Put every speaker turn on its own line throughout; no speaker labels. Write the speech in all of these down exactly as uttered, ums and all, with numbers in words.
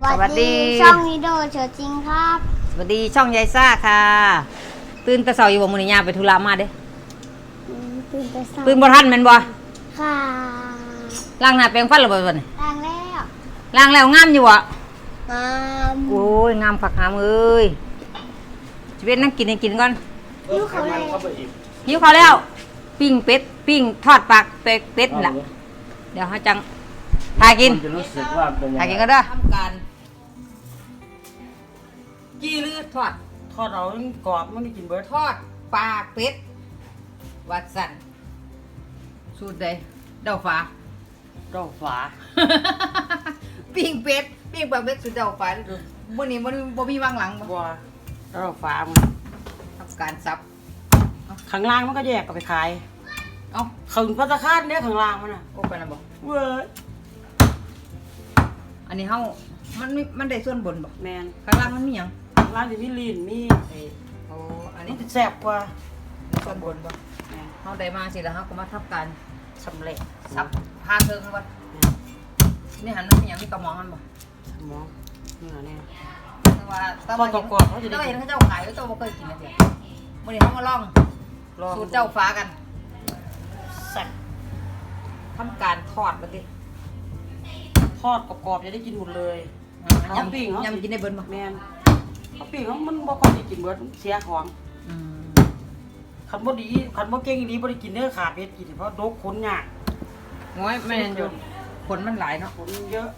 สวัสดีช่องนิโดเชิญจริงครับ
สวัสดีช่องยายซ่าค่ะตื่นแต่เช้าอยู่บ่มื้อนี้ย่าไปธุระมาเด้
ตื่นแต่เช้า
ตื่นบ่ทันแม่นบ่
ค่ะ
ล้างหน้าแปรงฟันแล้วบ่บัดนี้
ล้างแล้ว
ล้างแล้วงามอยู่บ่
งาม
โอ้ยงามคักงามเอ้ยสิเว้นนั่งกินให้กินก่อน
หิวเขาแล้ว
หิวข้าวแล้วปิ้งเป็ดปิ้งทอดปากเป็ดเป็ดล่ะเดี๋ยวเฮาจังพากินพากินก็เด้อทำการจี้หรือทอด
ทอดเอากรอบมันได้กินเบิด
ทอดปากเป็ดวัดสันสูตรใดเดาฟ้า
เดาฝา
ปิ้งเป็ดปิ้งปากเป็ดสูตรเดาฟ้าดูมื้อนี้บ่บ่มีวางหลังบ่
บ่เดาฝามัน
ทำการซับ
ข้างล่างมันก็แยกเอาไปขาย
เอ้า
ขึงพัตตาคาดเนี่ยข้างล่างมันน่ะ
โอ้ไปแล้วบ่
เว้ย
อันนี้เฮามันมีมันได้ส่วนบนบ่
แม่น
ข้างล่างมันมีหยัง
ข้างล่างสิมีลีนมี
ไอ้โอ้อัน
นี้
นี้
แซ่บกว่า
ส่วนบนบ่
แม่น
เฮาได้มาสิแล้วเฮาก็มาทำการ
สำเร็จ
ซับพาเทิงบ่นี่หันมันมีหยังมีกระหม่อมมันบ่
สมองนี่ล่ะเนี่ย
แต่ว่าแต่ว่าเขาจะได้เห็นเขาเจ้าขายเจ้าบ่เคยกินนะเดี๋ยวมื้อนี้เฮามาลองสูตรเจ้าฟ้ากัน
แซ่บ
ทำการทอดบัดนี้
ทอดกรอบๆจะได้กินหมดเลย
ยำปิ้งยำกินได้เบิดบ่
แม่นเขาปิ้งมันบ่ค่อยได้กินเบิดเสียของ
อืม
คันบ่ดีคันบ่เก่งอีหลีบ่ได้กินเด้อขาเป็ดกินเพราะดกขนยาก
โอ้ยแม่นอยู่ขนมันหลายเนาะ
ขนเยอะ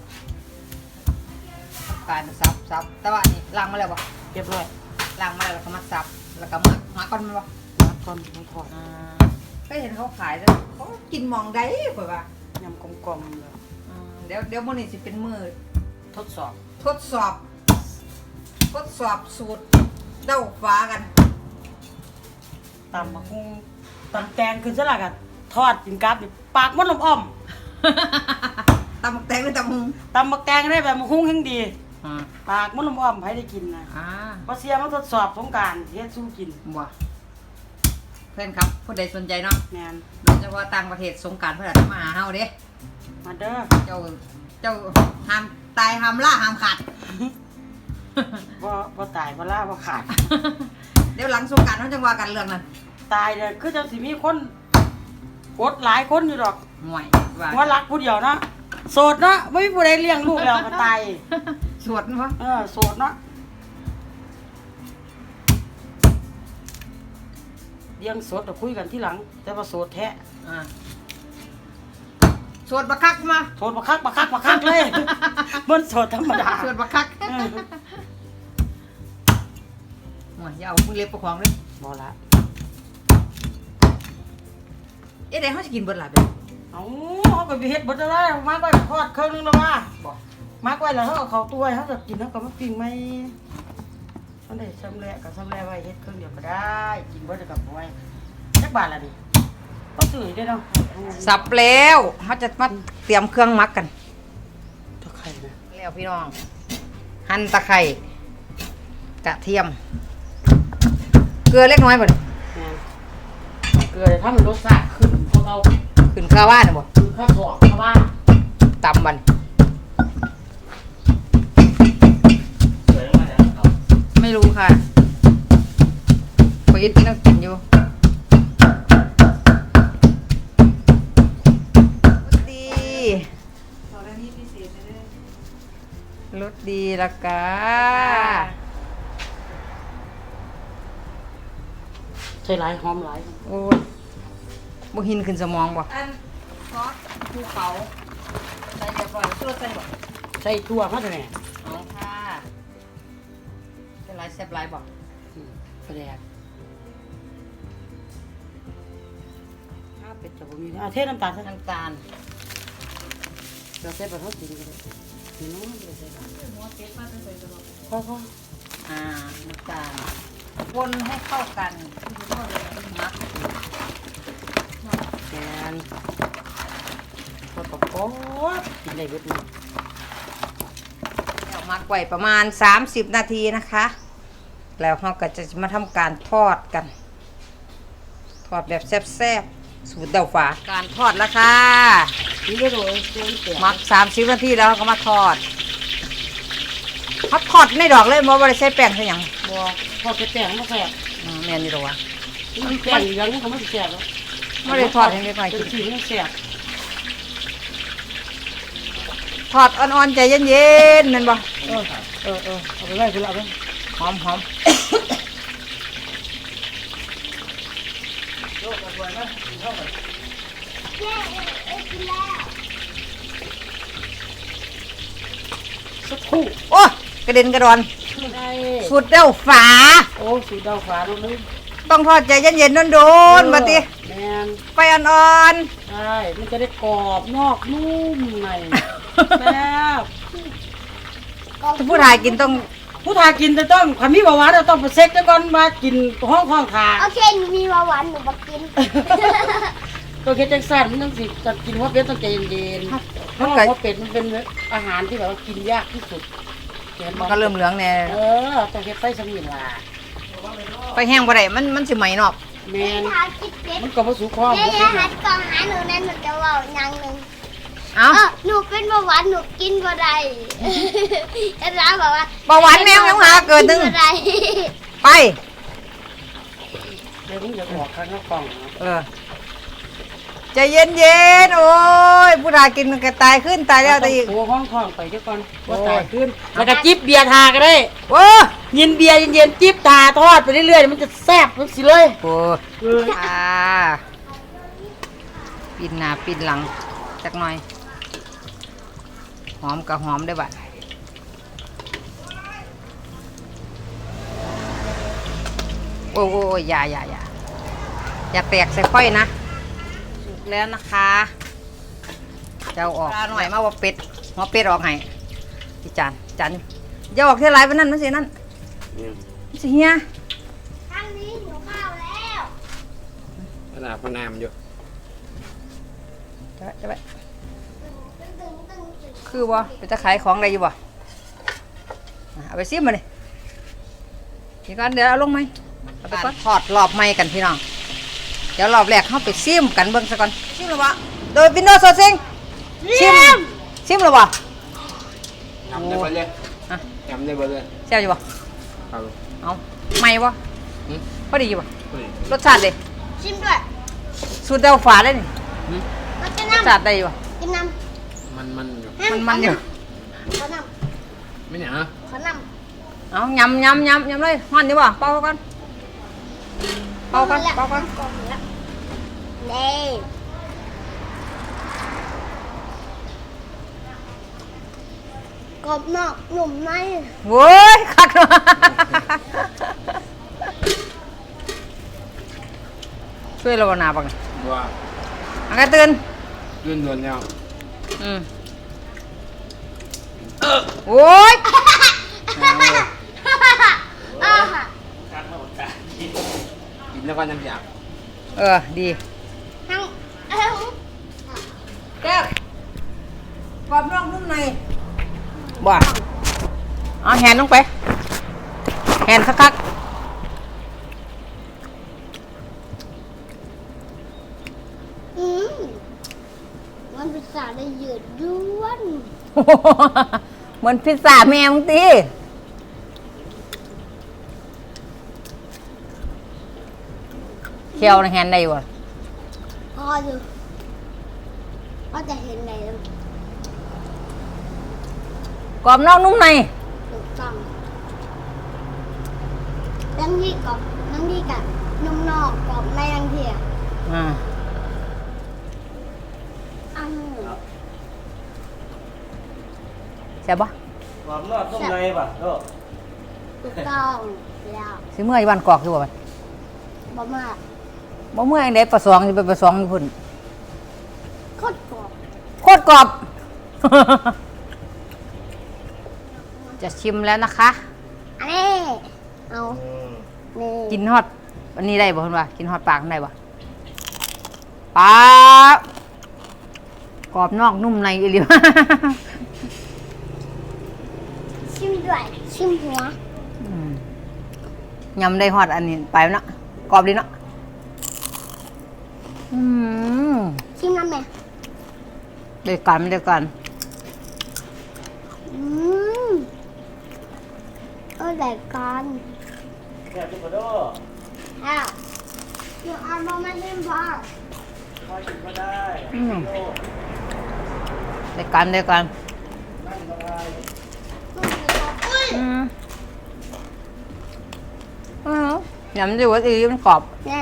การซับซับแต่ว่านี่ล้างมาแล้วบ่
เรียบร้อย
ล้างมาแล้วก็มาซับแล้วก็มามาก่อนมันบ่
มาก่อนมาทอด
อ่าก็เห็นเขาขายแล้วเขากินมองได้ข่อยว่าย
ำกลมๆเลย
อืมเดี๋ยวเดี๋ยวมื้อนี้สิเป็นมื้อ
ทดสอบ
ทดสอบทดสอบสูตรเต้าฟ้ากัน
ตำบักหุ่งตำแตงคือซะล่ะกันทอดกินกับนี่ปากมันลมอ้อม
ตำบักแตงหรือตำหุง
ตำบักแตงได้แบบบักหุ่งแห่งดี
อ่า
ปากมันลมอ้อมไผได้กินนะ
อ่า
บ่เสียมาทดสอบสงกรานต์เฮ็ดสู้กิน
บ่เพื่อนครับผู้ใดสนใจเนาะ
แม่น
โดยเฉพาะต่างประเทศสงกรานต์เพิ่นอาจจะมาหาเฮาเด้
มาเด้อ
เจ้าเจ้าห้ามตายห้ามล่าห้ามขาด
บ่บ่ตายบ่ล่าบ่ขาด
เดี๋ยวหลังสงกรานต์เฮาจังว่ากันเรื่องนั้น
ตายเด้อคือจังสิมีคนกดหลายคนอยู่ดอก
ห่วย
ว่าว่ารักผู้เดียวเนาะโสดเนาะบ่มีผู้ใดเลี้ยงลูกแล้วก็ตาย
โสดบ่
เออโสดเนาะเลี้ยงโสดก็คุยกันทีหลังแต่ว่าโสดแท้
อ่าโสดบักคักมา
โสดบักคักบักคักบักคักเลยมันโสดธรรมดา
โสดบักคักห่วยอย่าเอามือเล็บประคองเลย
บ่ละ
เอ๊ะได้เฮาสิกินเบิดล่ะเด้อ
เอ้าเฮาก็ไปเฮ็ดเบิดแล้วมาไว้ทอดเครื่องนึงแล้วว่า
บ่
มาไว้แล้วเฮาเอาเข้าตู้ไว้เฮาจะกินเฮาก็มาปิ้งใหม่มันได้สำเร็จก็สำเร็จไว้เฮ็ดเครื่องเดียวก็ได้กินเบิดแล้วก็บ่ไว้จักบาทล่ะนี่ก็ซื้อได้เนาะ
สับแล้วเฮาจะมาเตรียมเครื่องหมักกัน
ตะไคร้นะ
แล้วพี่น้องหั่นตะไคร้กระเทียมเกลือเล็กน้อยบ่นี่
เกลือถ้ามันรสชาติขึ้นพวกเรา
ขึ้นข้าวว่าน่ะบ่
ขึ้นข้าวสอกข้าวว่า
ตำมันไม่รู้ค่ะพออิดกินต้องกินอยู่รสดีรสดีละกา
ใช่หลายหอมหลาย
โอ้ยบ่หินขึ้นสมองบ่อันซอสภูเขาใส่เรียบร้อยตัวใส่บ่
ใส่ตัวมาแต่แม่
อ๋อค่ะเป็นไรแซ่บไรบ่
กระแดกข้าวเป็ดจะบ่มีอ่ะเทน้ำตาล
น้ำตาล
เราใส่ปลาทอดจริงก็ได้นี่น้องไม่ได้ใส่ปลาหัวเป็ดมาใส่ตลอดพอพอ
อ่าน้ำตาลคนให้เข้ากันมัก
แกนพอตบป๊บกินได้เบิดนี่
เอามักไว้ประมาณสามสิบนาทีนะคะแล้วเราก็จะมาทำการทอดกันทอดแบบแซ่บๆสูตรเดาฝาการทอดแล้วค่ะมักสามสิบนาทีแล้วก็มาทอดเขาทอดในดอกเลยบ่บ่ได้ใส่แป้งใส่หยัง
บัวทอดแป้งมาแซ่บ
อืมแม่นอยู่ดอกวะ
มันแป้งอย่างนี้เขาไม่แซ่บแล้ว
บ่ได้ทอดให้เด็กน้อย
เป็
กิ
น
น
สีมันแซ่บ
ทอดอ่อนๆใจเย็นๆแม่นบ่
เออเออเออเอาไปไว้ไปเอาไป
หอมหอม
แม่เอ้ยกินแล้ว
สักครู่
โอ้กระเด็นกระดอน
ได้
สุดเด้าฝา
โอ้สูดดาวฟ้าลงเลย
ต้องทอดใจเย็นๆโดนๆบัดนี้
แมน
ไฟอ่อน
ใช่มันจะได้กรอบนอกนุ่มในแซ่บ
ๆถ้าผู้ชายกินต้อง
ผู้ทากินจะต้องความมีเบาหวานเราต้องไปเช็คแล้วก่อนมากินห้องห้องขา
โอเคหนูมีเบาหวานหนูมากิน
ตัวเคจังสันมันต้องสิจะกินหัวเป็ดต้องใจเย็นๆเพราะว่าหัวเป็ดมันเป็นอาหารที่แบบว่ากินยากที่สุดเห็น
มัน
บ่
ก็เริ่มเหลืองแน่
เออต้องเฮ็ดไฟสมิงล่ะ
ไฟแห้งบ่ได้มันมันสิไหม้นอก
แม
แม่
น
ทาคิดเป็ด
มันก็บ่สุกพร้อม
แม่
บ่
อย่า
เป็นห
หั
ยัง
ดกล่องหาหนูนะหนูจะเว่าอย่างหนึ่ง
เอ้า
เออหนูเป็นเบาหวานหนูกินบ่ได้อาจารย์บอกว่า
เบาหวานแมวยังหาเกิดหนึง
บ่ได้
ไป
เดี๋ยวมึงจะบอกข้างนอกกล่องนะ
เออใจเย็นๆโอ้ยผู้ชายกินก็ตายขึ้นตายแล้วตายอีก
โอ้ห้องท้องไปเดี๋ยวก่อนว่าตายขึ้นแล้วก็จิบเบียร์ทาก็ได้
โอ้
ยินเบียร์เย็นๆจิบทาทอดไปเรื่อยๆมันจะแซ่บมันสิเลย
โห
เออ
อ่าปิดหน้าปิดหลังจักหน่อย หอมกับหอมได้บัดโอ้โอ้ยอย่าอย่าอย่าอย่าแตกใส่ค่อยนะสุกแล้วนะคะเจ้าออกหน่อยมาว่าเป็ดหัวเป็ดออกให้พี่จานจานอย่าออกเท่าไรไปนั่นมันสินั่นมันสิเฮีย
ทางนี้หนูข้าวแล้ว
ขนาดพนามอยู่
จะไปจะไป
ตึงตึงตึงตึง
คือบ่ไปจะขายของอะไรอยู่บ่อ่ะเอาไปซิมมาเลยนี่ก่อนเดี๋ยวเอาลงไหมเอาไปก่อนทอดรอบใหม่กันพี่น้องเดี๋ยวรอบแรกเข้าไปซิมกันเบิ่งซะก่อนซิมหรือวะโดยวินโดว์โซซิงซิมซิมหรือวะ
จำได้เบ่เลย
อ่ะ
จำได้เบ่เลย
แซ่บอยู่บ่
ครับ
เอาใหม่บ่
หืม
พอดีอยู่บ่
เฮ้ย
รสชาติเลย
ชิมด้วย
สูตรเดาฝาได้นี่
หืม
มากิน
รส
น้ำ
ชาติได้อยู่บ่
กินน้
มันมันอยู่
ำ
มันมันอยู่
ขอน้
ไม่เนี่ยฮะ
ำขอน้
เอายำยำยำยำเลยฮ้อนอยู่บ่เป่าก่อน
ำ
เป่าก่อนเป่าก่อน
กล่องแล้วนี่กรอบนอกหนุ่มใน
โว้ยคักเนาะช่วยเราบ่หนาปัง
ว่า
อันก็ตื่น
ยื่นโดนแล้ว
อืมโอ้ย
อ่าค่ะ
กินแล้วก็น้ำยา
เออ ดี
ทั้งเอ้า
แก้วกรอบนอกนุ่มในบ่เอาแหนลงไปแหนคัก
อืมมันเป็นสาได้เหยืดย้วน
ๆ เหมือนพิซซ่าแม่มึงตีเคี่ยวในแหนได้บ่
พออยู่พอจะเห็นไหนแล้ว
กรอบนอกนุ่มใน
ถูกต้องทั้งที่กรอบทั้งที่กับนุ่มนอกกรอบในทั้งที่อ่ะ
อ่า
อัน
ใช่ปะ
ความนอกต้มในป่ะโอ้
ถูกต้องแล้ว
สิเมื่อยวันกอกคือบ่บัด
บ่มาก
บ่เมื่อยอันใดประสองสิไปประสองอยู่พุ่น
โคตรกรอบ
โคตรกรอบ จะชิมแล้วนะคะ
อันนี้เอานี่
กินฮอดอันนี้ได้บ่เพิ่นว่ากินฮอดปากได้บ่ปาบกรอบนอกนุ่มในอีหลี
ชิมด้วยชิมหัว
อืมยำได้ฮอดอันนี้ไปเนาะกรอบดีเนาะอืม
ชิมน้ำแม่
เดี๋ยวก่อนเดี๋ยวก่อน
อืมแต่กัน
แซ่บจุกกระโดด
อ้าวเดี๋ยวเอามาไม่ได้บ้าง
มาชิมก็ได้
อืม
โดด
เดียวกันเดียวกัน
นั่งก็ได้
อุ้ย
อืมอืมยำดีกว่าอีมันกรอบ
เนี่ย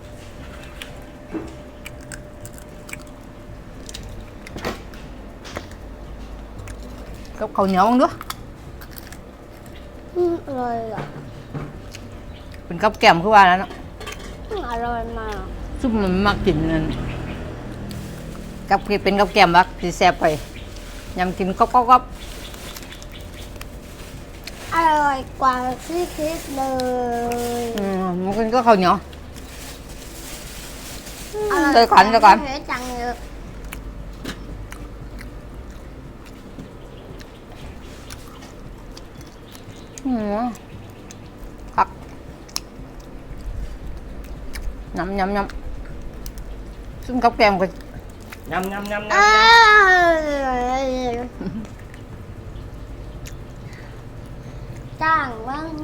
กับข้าวเหนียวมั้งด้วย
อืมอร่อยอ่ะ
เป็นกับแกล้มคือว่าแล้วเนาะ
อืมอร่อยมาก
ซุปมันมักกินนั่นกับเป็นกับแกล้มบักสิแซ่บไปยำกินก๊อบก๊อบก๊อบ
อร่อยกว่าที่คิดเลย
อืมมันกินก็ข้าวเหนียว
อร่อย
เดี๋ยวก่อนเดี๋ยวก่อน
เฮ้ยจังเลย
อืมครับยำยำยำซึ่งกับแกล้มก็
ยำยำยำ
เอย
ำ
อจ้างบ้าง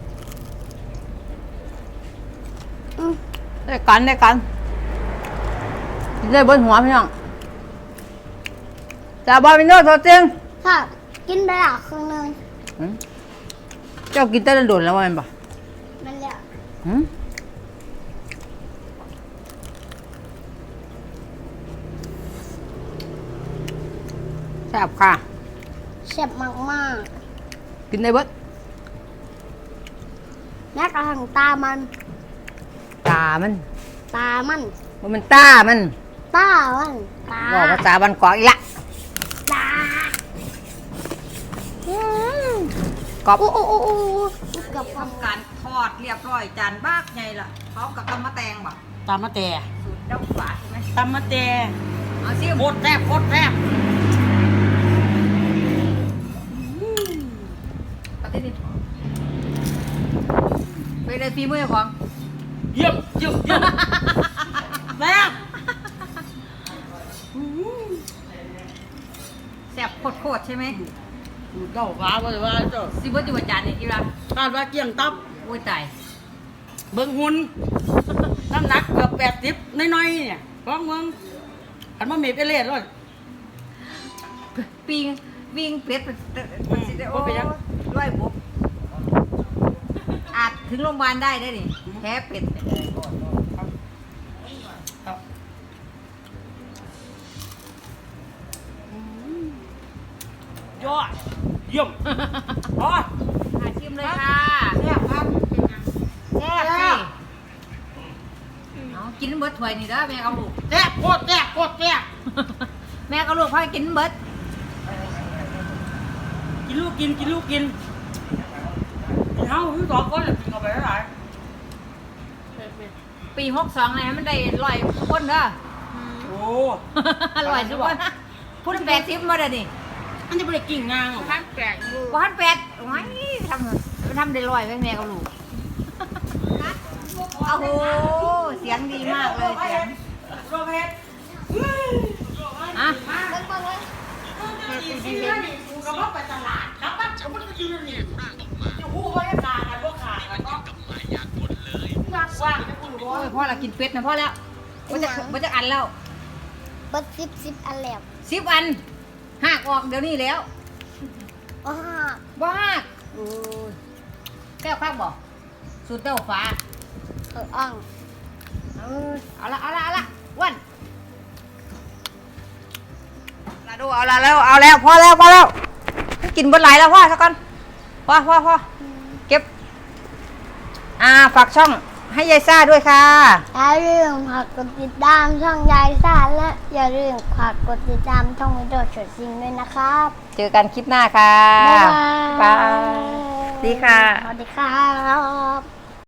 อืม
ได้กันได้กันกินได้บนหัวพี่น้องจ่าบอลเป็นโน้ตตัวจริง
ค่ะกินไปละครึ่งหนึง
หืมเจ้ากินแต่ละโดนแล้วว่าแมันบ่
มันแล้ว
หืมแซ่บค่ะ
เจ็บมากมาก
กินได้เบิด
ๆแม้กระทั่งตามัน
ตามัน
ตามัน
ว่ามันตามัน
ตามันตา
บอกภาษาบันกอกอีกละ
ตาอืม
กรอบ
โอ้โอ้โอ้โอ้กับความ
ทำการทอดเรียบร้อยจานบากไงล่ะพร้อมกับตำมะแตงบ่
ตามมาแต่
สูตรเจ้าฝาใช่ไหม
ตามมาแต่
เอาซิ
โคตรแซ่บโคตรแซ่บ
ปฏิทินไปเลยฝีมือของ
เยี่ยมเยี่ยมเยี่ยมแซ่บ
แซ่บโคตรๆใช่ไหม
เจ้าฟ้าว่าจะว่าเจ้า
ซิเบิร์ตอยู่ว่าจานนี่กี่ละ
คาดว่าเกี่ยงตับ
โอ้ยตาย
เบิ่งหุ่นน้ำหนักเกือบแปดสิบน้อยๆเนี่ยฟังเบิ่งอันมาเมไปเล่นเลย
ปิงวิ่งเป็ด
อืม
โอ้
บ่เป็นหยัง
ร้อยบุกอาจถึงโรงพยาบาลได้ได้ดิแพ้เป็ด
ยอดเยี่ยมอ๋อ
อาชิมเลยค่ะ
แซ่บครับ
แซ่บสิเอากินเบิดถ้วยนี่เด้อแม่กับลูก
แซ่บโคตรแซ่บโคตรแซ่บ
แม่กับลูกพ่อกินเบิด
กินลูกกินกินลูกกินกินเฮาคือสองคนน่ะกินเข้าไปเท่าไหร่
ปีหกสองนะมันได้ร้อยคนเด้อ
โอ้
ร้อยทุกคนพูดแปดสิบมาเด้อนี่
อันนี้บ่ได้กิ่งงางหรอก
พันแปดพันแปดไว้ทำทำได้ร้อยไว้แม่กับลูกโอ้โหเสียงดีมากเลยเสียง
โรเพชร
อ่ะ
ดีดีดีกูก็บ่ไปตลาดครับบ้านฉันมันก็อยู่นี่อยู่ฮู้ว่าจะขาดกันบ่ขาดกันก็ว่างว่างจะกูบ่
โอ้ยพ่อละกินเป็ดนะพ่อแล้วว่าจะว่าจะอันแล้ว
เบิดซิบซิบอันแล้ว
สิบอันหักออกเดี๋ยวนี้แล้ว
ว้า
บ้าโอ้ยแก้วข้างบอกสูตรเต้าฟ้า
เอออ่อง
เออเอาละเอาละเอาละอ้วันเอาละดูเอาละแล้วเอาแล้วพอแล้วพอแล้วกินบนไหลายแล้วพ่อสักก่อนพ่อพ่อพ่อเก็บอ่าฝากช่องให้ยายซ่าด้วยค่ะ
อย่าลืมฝากกดติดตามช่องยายซ่าและอย่าลืมฝากกดติดตามช่องวิดีโอฉดซิงด้วยนะครับ
เจอกันคลิปหน้าค่ะ
บ๊ายบาย
บายดีค่ะ
สวัสดีครับ